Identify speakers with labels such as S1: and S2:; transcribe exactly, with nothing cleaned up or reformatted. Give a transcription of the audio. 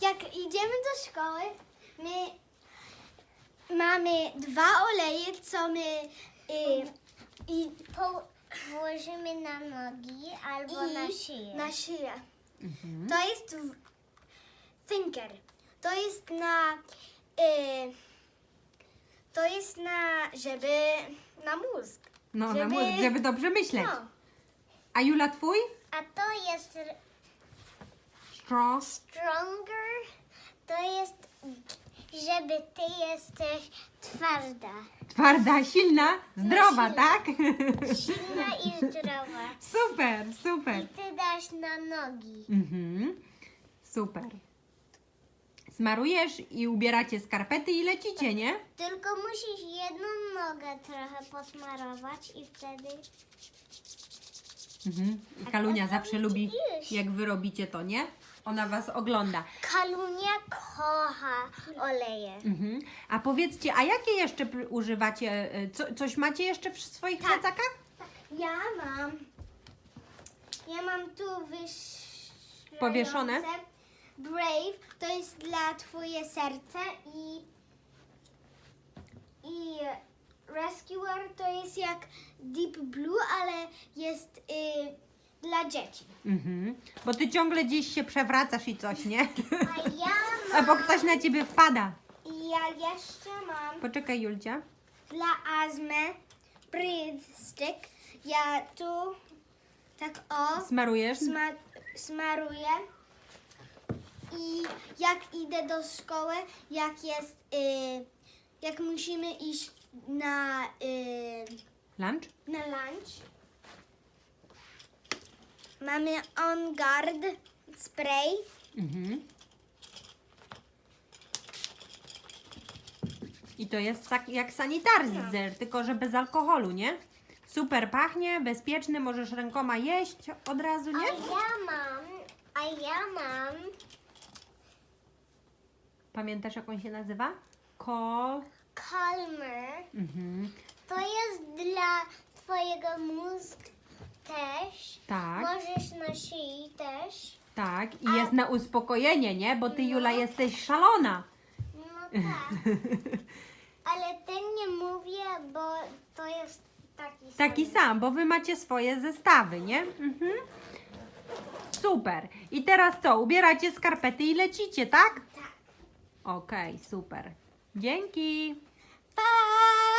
S1: jak idziemy do szkoły, my mamy dwa oleje, co my y, i
S2: Po, włożymy na nogi albo
S1: i
S2: na szyję.
S1: na szyję.
S3: Mhm.
S1: To jest w- thinker. To jest na y, to jest na żeby na mózg.
S3: No, na
S1: żeby-
S3: mózg, żeby dobrze myśleć.
S1: No.
S3: A Jula, twój?
S2: A to jest r-
S3: Strong.
S2: stronger, to jest, żeby ty jesteś twarda,
S3: Twarda, silna, zdrowa,
S2: silna.
S3: tak?
S2: silna i zdrowa.
S3: Super, super.
S2: I ty dasz na nogi.
S3: Mhm. Super. Smarujesz i ubieracie skarpety i lecicie, nie?
S2: Tylko musisz jedną nogę trochę posmarować i wtedy...
S3: Mhm. Kalunia zawsze lubi,
S2: iść.
S3: jak wy robicie to, nie? Ona was ogląda.
S2: Kalunia kocha oleje.
S3: Mhm. A powiedzcie, a jakie jeszcze pr- używacie? y, Co, coś macie jeszcze w swoich
S1: Tak.
S3: plecakach?
S1: Ja mam ja mam tu wyszłające
S3: Powieszone?
S1: Brave, to jest dla twoje serce i i Rescuer to jest jak Deep Blue, ale jest y, dla dzieci.
S3: Mhm. Bo ty ciągle gdzieś się przewracasz i coś, nie?
S2: A ja
S3: Albo
S2: mam...
S3: ktoś na ciebie wpada.
S1: I ja jeszcze mam
S3: Poczekaj, Julcia.
S1: dla astmy Breathe Stick. Ja tu tak o
S3: Smarujesz?
S1: sma smaruję i jak idę do szkoły, jak jest, y, jak musimy iść na, y,
S3: Lunch?
S1: na lunch, mamy On Guard spray.
S3: Mhm. I to jest tak jak sanitizer, tylko że bez alkoholu, nie? Super pachnie, bezpieczny, możesz rękoma jeść od razu,
S2: A
S3: nie?
S2: ja mam... A ja mam...
S3: Pamiętasz, jak on się nazywa? Call.
S2: Calmer.
S3: Mhm.
S2: To jest dla twojego mózgu też.
S3: Tak,
S2: Możesz na szyi też.
S3: tak. I jest na uspokojenie, nie? Bo ty, Jula, jesteś szalona.
S2: No tak. Ale ten nie mówię, bo to jest taki sam.
S3: Taki sam, bo wy macie swoje zestawy, nie? Mhm. Super. I teraz co? Ubieracie skarpety i lecicie, tak?
S1: Tak.
S3: Okej, super. Dzięki.
S1: Pa!